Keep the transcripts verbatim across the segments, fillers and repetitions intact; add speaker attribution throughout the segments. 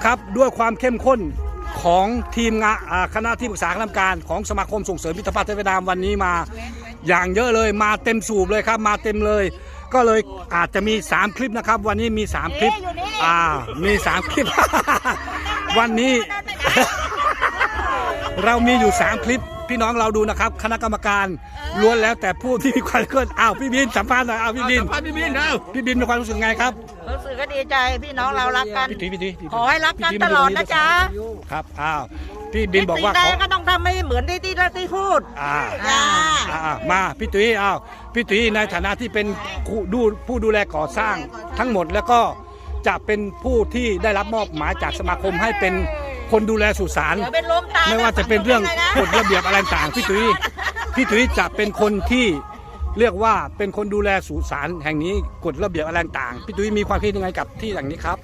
Speaker 1: นะครับด้วยความเข้มข้นของทีมงานคณะที่ปรึกษาคณะกรรมการของสมาคมส่งเสริมมิตรภาพไทยเวียดนามวันนี้มาอย่างเยอะเลยมาเต็มสูบเลยครับมาเต็มเลยก็เลยอาจจะมีสามคลิปนะครับวันนี้มีสามคลิปอ่ามีสามคลิป วันนี้ เรามีอยู่สามคลิปพี่น้องเราดูนะครับคณะกรรมการล้วนแล้วแต่ผู้ที่มีความเคลื่อนอ้าวพี่บินสัมภาษณ์หน่อยอ้าวพี่บินพี่บินเอาพี่บินมีความรู้สึกไงครับ
Speaker 2: รู้สึกก็ดีใจพี่น้องเรารักกัน
Speaker 1: พี่ตีพี่ตี
Speaker 2: ขอให้รักกันตลอดนะจ๊ะ
Speaker 1: ครับอ้าวพี่บินบอกว่า
Speaker 2: ขอก็ต้องทำให้เหมือนที่ที่ที่พูด
Speaker 1: อ่าอ่ามาพี่ตุ้ยอ้าวพี่ตุ้ยในฐานะที่เป็นดูผู้ดูแลก่อสร้างทั้งหมดแล้วก็จะเป็นผู้ที่ได้รับมอบหมายจากสมาคมให้เป็นคนดูแลสุสานไม่ว่าจะเป็นเรื่องกฎระเบียบอะไรต่างพี่ตุ้ยพี่ตุ้ยจะเป็นคนที่เรียกว่าเป็นคนดูแลสุสานแห่งนี้กฎระเบียบอะไรต่างพี่ตุ้ยมีความคิดยังไงกับที่อย่างนี้ครับ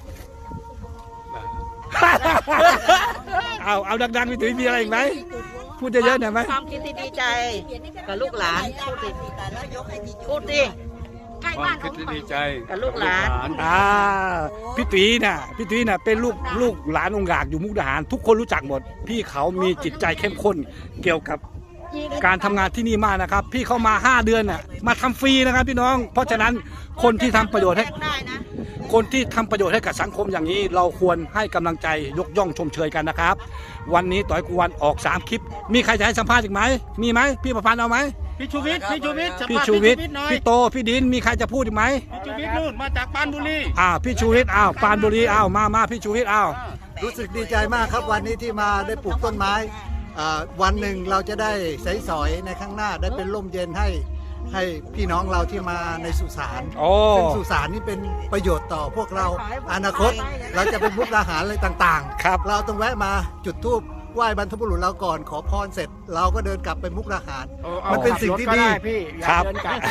Speaker 1: เอาเอาดังๆพี่ตุ้ยมีอะไรอีกไหมพูดเยอะๆหน่อยไหม
Speaker 2: ความคิดที่ดีใจกับลูกหลานพูดดิพูดดิ
Speaker 3: ความคิดที่ดีใจ
Speaker 2: กับลูกหลาน
Speaker 1: อ่าพี่ตุ้ยน่ะพี่ตุ้ยน่ะเป็นลูกลูกหลานองค์หลากอยู่มุกดาหารทุกคนรู้จักหมดพี่เขามีจิตใจเข้มข้นเกี่ยวกับการทำงานที่นี่มากนะครับพี่เขามาห้าเดือนน่ะมาทำฟรีนะครับพี่น้องเพราะฉะนั้นคนที่ทำประโยชน์ให้คนที่ทำประโยชน์ให้กับสังคมอย่างนี้เราควรให้กำลังใจยกย่องชมเชยกันนะครับวันนี้ต่อยกูวันออกสามคลิปมีใครจะให้สัมภาษณ์อีกไหมมีไหมพี่ประพันธ์เอาไหม
Speaker 3: พี่ชูวิทย์พี่ชูวิทย์
Speaker 1: พี่ชูวิทย์พี่โตพี่ดินมีใครจะพูดอีกไหม
Speaker 3: พี่ชูวิทย์นู่นมาจากปานบุรี
Speaker 1: อ้าวพี่ชูวิทย์อ้าวปานบุรีอ้าวมามาพี่ชูวิทย์อ้าว
Speaker 4: รู้สึกดีใจมากครับวันนี้ที่มาได้ปลูกต้นไม้วันหนึ่งเราจะได้ใสสอยในข้างหน้าได้เป็นร่มเย็นให้ให้พี่น้องเราที่มาในสุสานซึ่งสุสานนี่เป็นประโยชน์ต่อพวกเราอนาคตเราจะเป็นมุกดาหารอะไรต่างๆ
Speaker 1: ครับ
Speaker 4: เราต้องแวะมาจุดธูปไหว้บรรพบุรุษเราก่อนขอพรเสร็จเราก็เดินกลับไปมุกดาหารมันเป็นสิ่งที่ดี
Speaker 1: ครับ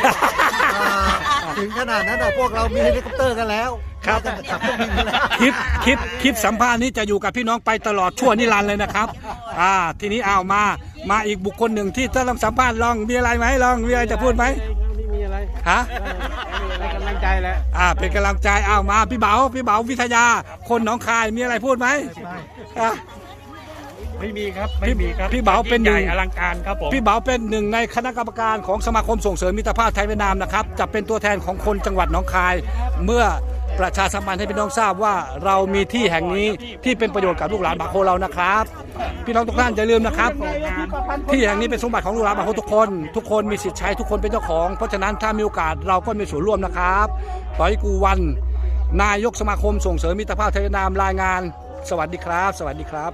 Speaker 4: ถึงขนาดนั้นแต่พวกเรามีเฮลิคอปเตอร์กันแล้ว
Speaker 1: ครับคลิปคลิปคลิปสัมภาษณ์นี้จะอยู่กับพี่น้องไปตลอดชั่วนิรันดร์เลยนะครับอ่าทีนี้เอามามาอีกบุคคลหนึ่งที่จะต้องสัมภาษณ์ลองมีอะไรไหมลองมีอะไรจะพูดไหม
Speaker 3: ไม่มีอะไร
Speaker 1: ฮะ
Speaker 3: เป็นกำลังใจแหละ
Speaker 1: อ่าเป็นกำลังใจเอามาพี่เบาพี่เบาวิทยาคนหนองคายมีอะไรพูดไหมอ่ะ
Speaker 3: ไม่มีครับไม่มีครับ
Speaker 1: พี่เบาเป็นหนึ่ง
Speaker 3: อลังการครับผม
Speaker 1: พี่เบาเป็นหนึ่งในคณะกรรมการของสมาคมส่งเสริมมิตรภาพไทยเวียดนามนะครับจะเป็นตัวแทนของคนจังหวัดหนองคายเมื่อประชาสัมพันธ์ให้พี่น้องทราบว่าเรามีที่แห่งนี้ที่เป็นประโยชน์กับลูกหลานบาโคเรานะครับพี่น้องทุกท่านอย่าลืมนะครับที่แห่งนี้เป็นสมบัติของลูกหลานบาโคทุกคนทุกคนมีสิทธิ์ใช้ทุกคนเป็นเจ้าของเพราะฉะนั้นถ้ามีโอกาสเราก็มีส่วนร่วมนะครับต่อยกูวันนายกสมาคมส่งเสริมมิตรภาพไทยเวียดนามรายงานสวัสดีครับสวัสดีครับ